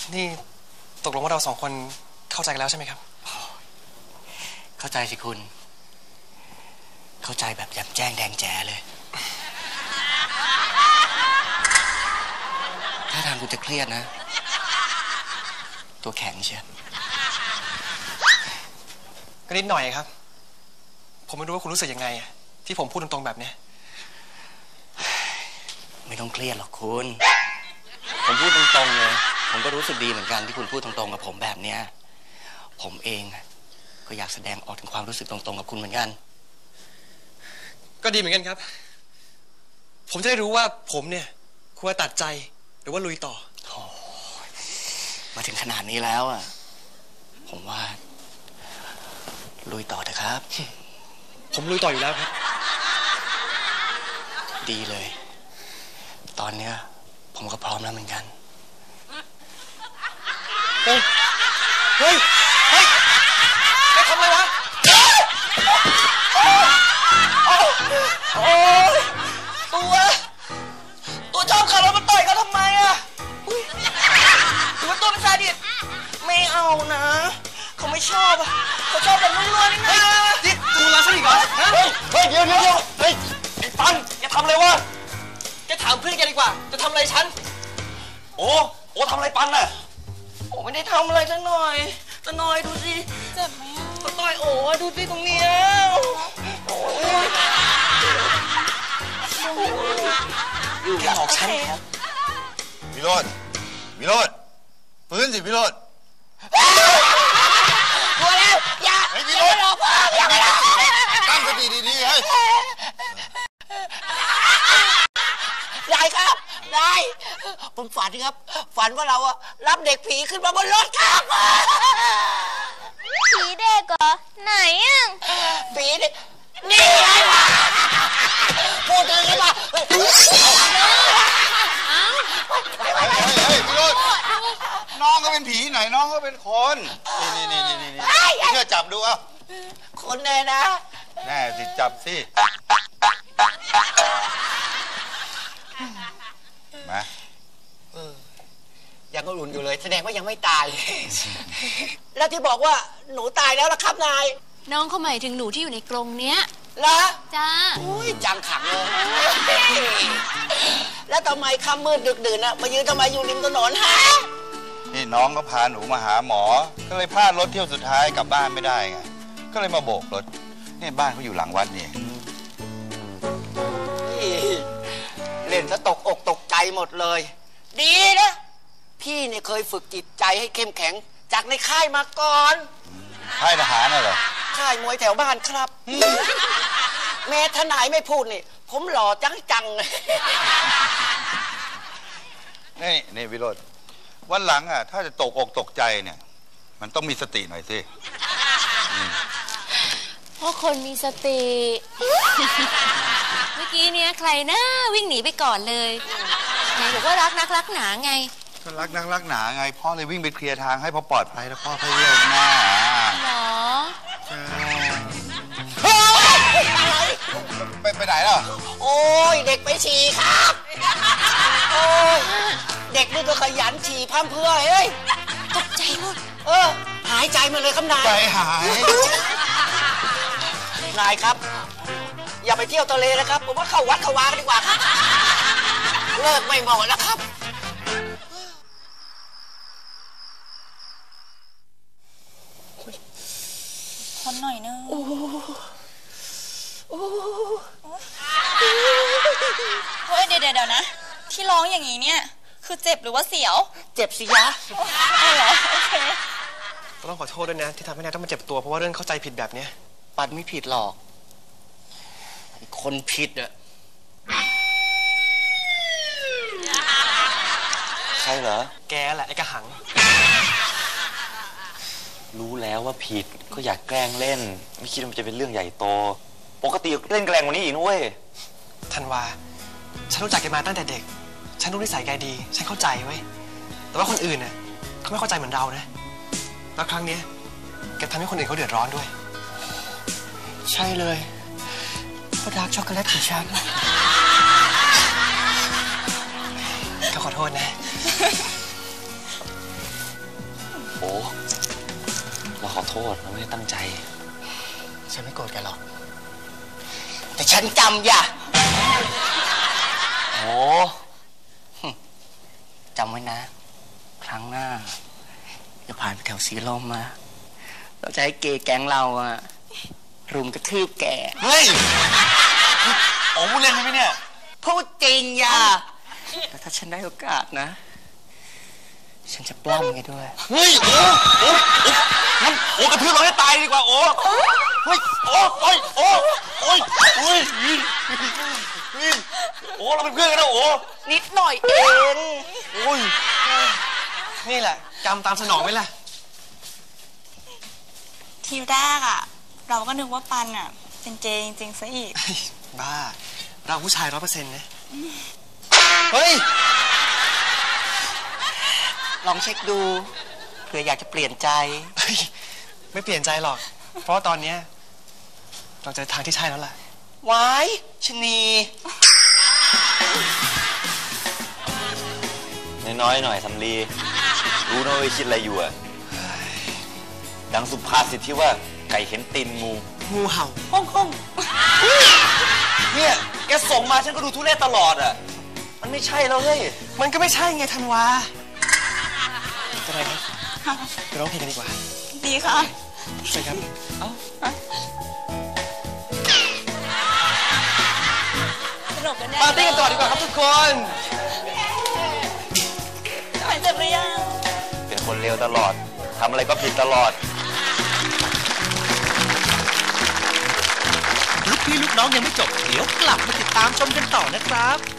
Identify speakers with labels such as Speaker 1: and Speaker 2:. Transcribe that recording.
Speaker 1: นี่ตกลงว่าเราสองคนเข้าใจกันแล้วใช่ไหมครับ
Speaker 2: เข้าใจสิคุณเข้าใจแบบแจ่มแจ้งแดงแจ๋เลยถ้าทางคุณจะเครียดนะตัวแข็งเชียว
Speaker 1: ก็นิดหน่อยครับผมไม่รู้ว่าคุณรู้สึกยังไงที่ผมพูดตรงๆแบบนี้
Speaker 2: ไม่ต้องเครียดหรอกคุณผมพูดตรงๆเลยผมก็รู้สึกดีเหมือนกันที่คุณพูดตรงๆกับผมแบบเนี้ยผมเองก็อยากแสดงออกถึงความรู้สึกตรงๆกับคุณเหมือนกัน
Speaker 1: ก็ดีเหมือนกันครับผมจะได้รู้ว่าผมเนี่ยควรตัดใจหรือว่าลุยต่อ
Speaker 2: มาถึงขนาดนี้แล้วผมว่าลุยต่อเถอะครับ
Speaker 1: ผมลุยต่ออยู่แล้วครับ
Speaker 2: ดีเลยตอนเนี้ยผมก็พร้อมแล้วเหมือนกัน
Speaker 1: เฮ้ยเฮ้ยเฮ้ยแกทำอะไรวะ
Speaker 2: โอ้ยตัวชอบขับรถมาต่อยเขาทำไมหรือว่าตัวเป็นซาดิสไม่เอานะเขาไม่ชอบเขาชอบแบบนัวๆนี่นะ
Speaker 1: นี่มึงรักฉันอีกเหรอ
Speaker 2: เฮ้ยเดี๋ยวเฮ้ยไอ้ปันแกทำอะไรวะแกถามเพื่อนแกดีกว่าจะทำอะไรฉันโอ้ทำอะไรปันน่ะโอ้ไม่ได้ทำอะไรสักหน่อยจะหน่อยดูสิ
Speaker 3: เจ็บไหม
Speaker 2: ก็ต่อยโอ้ดูสิตรงนี้โอ้ย
Speaker 1: แกหลอกฉัน
Speaker 4: วิโรจน์ฟื้นสิวิโรจน์
Speaker 2: กลัวแล้วอย่า
Speaker 4: วิโรจน์
Speaker 2: อย่า
Speaker 4: ตั้งสติดีๆให้
Speaker 2: ยายครับยายผมฝันครับฝันว่าเรารับเด็กผีขึ้นมาบนรถครับ
Speaker 3: ผีเด็กเหรอไหน
Speaker 2: ผีนี่ไงวะพูดถึงกันมา
Speaker 4: เฮ้ยวิโรจน์น้องก็เป็นผีไหนน้องก็เป็นคนนี่เชื่อจับดู
Speaker 2: คนแน่นะ
Speaker 4: แน่สิจับสิมา
Speaker 2: ยังก็อุ่นอยู่เลยแสดงว่ายังไม่ตายแล้วที่บอกว่าหนูตายแล้วล่ะครับนาย
Speaker 3: น้องเขาหมายถึงหนูที่อยู่ในกรงเนี้ย
Speaker 2: เหรอ
Speaker 3: จ้า
Speaker 2: อุ้ยจังขังเลยแล้วทำไมค่ำมืดดึกดื่นมายืนทำไมอยู่ริมถนนฮะ
Speaker 4: นี่น้องก็พาหนูมาหาหมอก็เลยพลาดรถเที่ยวสุดท้ายกลับบ้านไม่ได้ไงก็เลยมาโบกรถนี่บ้านเขาอยู่หลังวัดนี่
Speaker 2: เล่นซะตกอกตกใจหมดเลยดีนะพี่เนี่ยเคยฝึกจิตใจให้เข้มแข็งจากในค่ายมาก่อน
Speaker 4: ค่ายทหารน่ะเหรอ
Speaker 2: ค่ายมวยแถวบ้านครับแม่ทนายไม่พูดนี่ผมหล่อจัง
Speaker 4: นี่วิโรจน์วันหลังถ้าจะตกอกตกใจเนี่ยมันต้องมีสติหน่อยสิ
Speaker 3: เพราะคนมีสติเมื่อกี้เนี่ยใครนะวิ่งหนีไปก่อนเลยไหนบอกว่ารักนักรักหนาไง
Speaker 4: ก็รักนักรักหนาไงพ่อเลยวิ่งไปเคลียร์ทางให้พอปลอดภัยแล้วพ่อค่อยเรียกหน้า
Speaker 3: หรอ
Speaker 4: ใช่ไปไหนล่ะ
Speaker 2: โอ้ยเด็กไปฉี่ครับโอ้ยเด็กนี่ก็ขยันฉี่พั่มเพื่อเฮ้ย
Speaker 3: ตกใจหมด
Speaker 2: หายใจมาเลยครับนาย
Speaker 4: ใจหาย
Speaker 2: นายครับอย่าไปเที่ยวทะเลนะครับผมว่าเข้าวัดเข้าวากันดีกว่าครับเลิกไม่เหมาะแล้วครับ
Speaker 3: คนหน่อยนึงเฮ้ยเดี๋ยวนะที่ร้องอย่างนี้เนี่ยคือเจ็บหรือว่าเสียว
Speaker 2: เจ็บสิยะ
Speaker 3: เหรอโอเค
Speaker 1: ต้องขอโทษด้วยนะที่ทำให้นายต้องมาเจ็บตัวเพราะว่าเรื่องเข้าใจผิดแบบนี้
Speaker 2: ปัดไม่ผิดหรอกคนผิด
Speaker 4: ใครเหรอ
Speaker 1: แกแหละไอ้กระหัง
Speaker 5: รู้แล้วว่าผิดก็อยากแกล้งเล่นไม่คิดว่ามันจะเป็นเรื่องใหญ่โตปกติเล่นแกล้งกว่านี้อีกนุ้ย
Speaker 1: ธันวาฉันรู้จักแกมาตั้งแต่เด็กฉันรู้นิสัยแกดีฉันเข้าใจไว้แต่ว่าคนอื่นน่ะเขาไม่เข้าใจเหมือนเรานะแล้วครั้งนี้แกทำให้คนอื่นเขาเดือดร้อนด้วย
Speaker 2: ใช่เลยเพราะดาร์กช็อกโกแลตของฉัน
Speaker 1: ก็ขอโทษนะ
Speaker 5: ขอโทษเราไม่ได้ตั้งใจ
Speaker 2: ฉันไม่โกรธแกหรอก แต่ฉันจำอย่า
Speaker 5: โอ้
Speaker 2: จำไว้นะ ครั้งหน้าอย่าผ่านไปแถวสีลมมาเราจะให้เกย์แก๊งเราอะรุมกระทืบแก
Speaker 5: เฮ้ยโอ้พูดเล่นไหมเนี่ย
Speaker 2: พูดจริงอย่าแต่ถ้าฉันได้โอกาสนะ ฉันจะปล้ำแกด้วย
Speaker 5: เฮ้ยโอ้งั้นโอ้กระทืบเราให้ตายดีกว่าโอ้เฮ้ยโอ้โอ้ยโอ้โอ้ยโอ้ยโอ้เราเป็นเพื่อนกันนะโอ้
Speaker 2: นิดหน่อยเอง
Speaker 5: โอ้ย
Speaker 1: นี่แหละกรรมตามสนองไว้ล่ะ
Speaker 6: ทีแรกอะเราก็นึกว่าปันอะเป็นเจจริงๆซะอีก
Speaker 1: บ้า เราผู้ชาย 100%นะ
Speaker 2: เฮ้ย ลองเช็คดูเผื่ออยากจะเปลี่ยนใจ
Speaker 1: เฮ้ย ไม่เปลี่ยนใจหรอก เพราะว่าตอนเนี้ยเราเจอทางที่ใช่แล้วล่ะ
Speaker 2: ไว้ชะนี
Speaker 5: น้อยๆหน่อยสำลีรู้นะว่าคิดอะไรอยู่อะดังสุภาษิตที่ว่าไก่เห็นตีนงู
Speaker 1: งูเห่า
Speaker 5: เนี่ยแกส่งมาฉันก็ดูทุเรศตลอดอะมันไม่ใช่แล้วเฮ้ย
Speaker 1: มันก็ไม่ใช่ไงธันวาจะไรครับไปร้องเพลงกันดีกว่า
Speaker 6: ดีค่ะ
Speaker 1: ใช่ครับ
Speaker 6: สนุกกันแน่
Speaker 1: ปาร์ตี้กันต่อดีกว่าครับทุกคน
Speaker 6: หายเจ็บหรือยัง
Speaker 5: เป็นคนเลวตลอดทำอะไรก็ผิดตลอด
Speaker 7: ลูกพี่ลูกน้องยังไม่จบ เดี๋ยวกลับมาติดตามชมกันต่อนะครับ